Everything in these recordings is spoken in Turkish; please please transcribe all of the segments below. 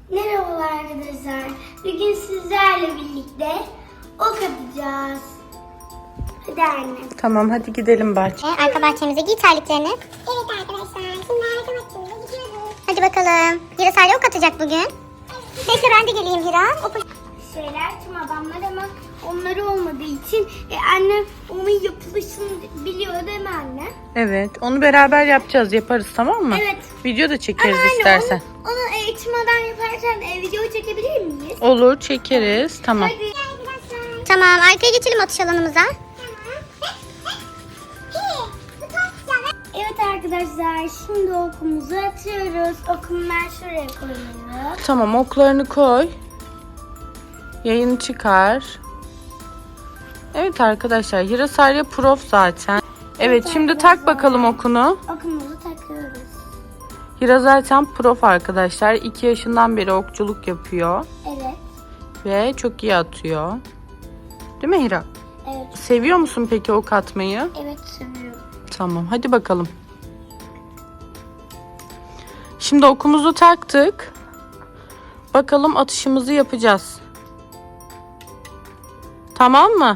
Merhabalar arkadaşlar. Bugün sizlerle birlikte ok atacağız. Hadi anne. Tamam, hadi gidelim bahçeye. Arka bahçemize giy terliklerini. Evet arkadaşlar, şimdi arka bahçemize gidiyoruz. Hadi bakalım. Hira Salih ok atacak bugün. Neyse ben de geleyim Hira. Şeyler tüm adamlar ama onları olmadığı için annem onun yapılışını biliyor değil mi anne? Evet, onu beraber yaparız, tamam mı? Evet. Video da çekeriz Ama anne istersen. onu eğitimden yaparken video çekebilir miyiz? Olur, çekeriz. Tamam. Hadi. Tamam, arkaya geçelim atış alanımıza. Evet arkadaşlar, şimdi okumuzu atıyoruz. Okumu ben şuraya koyuyorum. Tamam, oklarını koy. Yayını çıkar. Evet arkadaşlar, Hira Salih prof zaten. Evet, şimdi tak bakalım okunu. Okumuzu takıyoruz. Hira zaten prof arkadaşlar. 2 yaşından beri okçuluk yapıyor. Evet. Ve çok iyi atıyor. Değil mi Hira? Evet. Seviyor musun peki ok atmayı? Evet, seviyorum. Tamam, hadi bakalım. Şimdi okumuzu taktık. Bakalım atışımızı yapacağız. Tamam mı?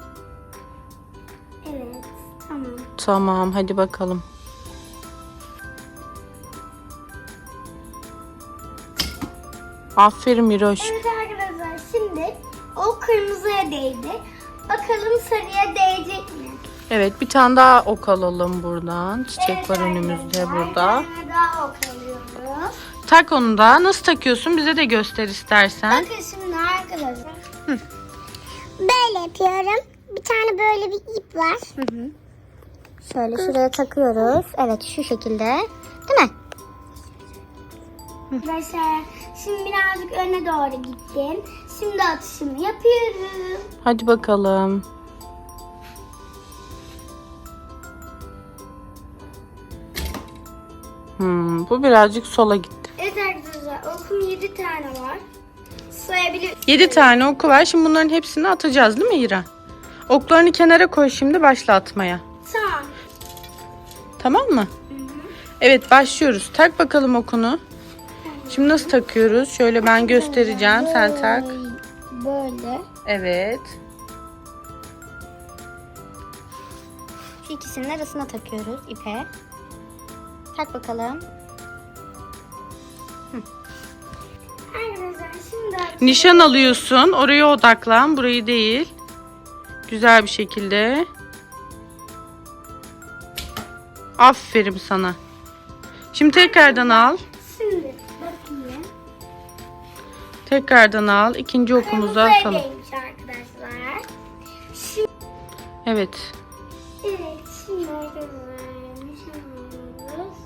Evet, tamam. Tamam, hadi bakalım. Aferin Miroş. Evet arkadaşlar, şimdi o kırmızıya değdi. Bakalım sarıya değecek mi? Evet, bir tane daha ok alalım buradan. Çiçek Evet var önümüzde arkadaşlar, burada. bir tane daha ok alıyoruz. Tak onu da. Nasıl takıyorsun? Bize de göster istersen. Bakın şimdi arkadaşlar. Böyle yapıyorum. Bir tane böyle bir ip var. Şöyle şuraya takıyoruz. Evet, şu şekilde. Değil mi? Arkadaşlar, şimdi birazcık öne doğru gittim. Şimdi atışımı yapıyorum. Hadi bakalım. Bu birazcık sola gitti. Evet arkadaşlar, okum 7 tane var. Sayabilir. 7 tane oku var. Şimdi bunların hepsini atacağız değil mi Hira? Oklarını kenara koy, şimdi başla atmaya. Tamam. Tamam mı? Evet, başlıyoruz. Tak bakalım okunu. Şimdi nasıl takıyoruz? Şöyle ben göstereceğim. Sen tak. Böyle. Evet. Şu ikisinin arasına takıyoruz ipe. Tak bakalım. Arkadaşlar şimdi Nişan alıyorsun. Oraya odaklan. Burayı değil. Güzel bir şekilde. Aferin sana. Şimdi tekrardan al. Şimdi bakayım. Tekrardan al. İkinci okumuzu atalım. Kırmızıya arkadaşlar. Şimdi, Evet. evet şimdi arkadaşlar nişan alıyoruz.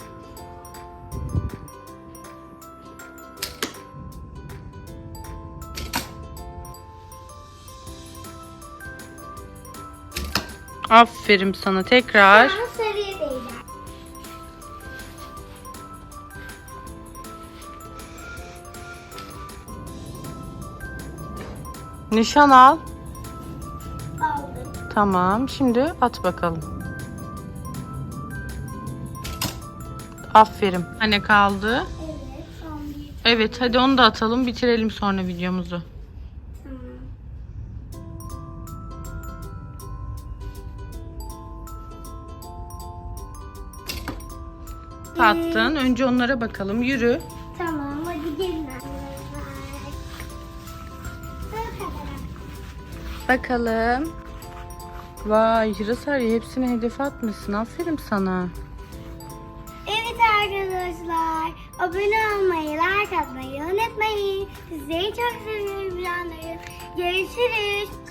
Aferin sana. Tekrar. Daha sarıya değdi. Nişan al. Aldım. Tamam. Şimdi at bakalım. Aferin. Hani kaldı? Evet son bir. Evet, hadi onu da atalım. Bitirelim sonra videomuzu. Tamam. Attın. Önce onlara bakalım. Yürü. Tamam hadi gelin arkadaşlar. Bakalım. Vay, Hira Salih hepsini hedefe atmışsın. Aferin sana. Evet arkadaşlar, abone olmayı, like atmayı unutmayın. Sizleri çok seviyorum canlarım. Görüşürüz.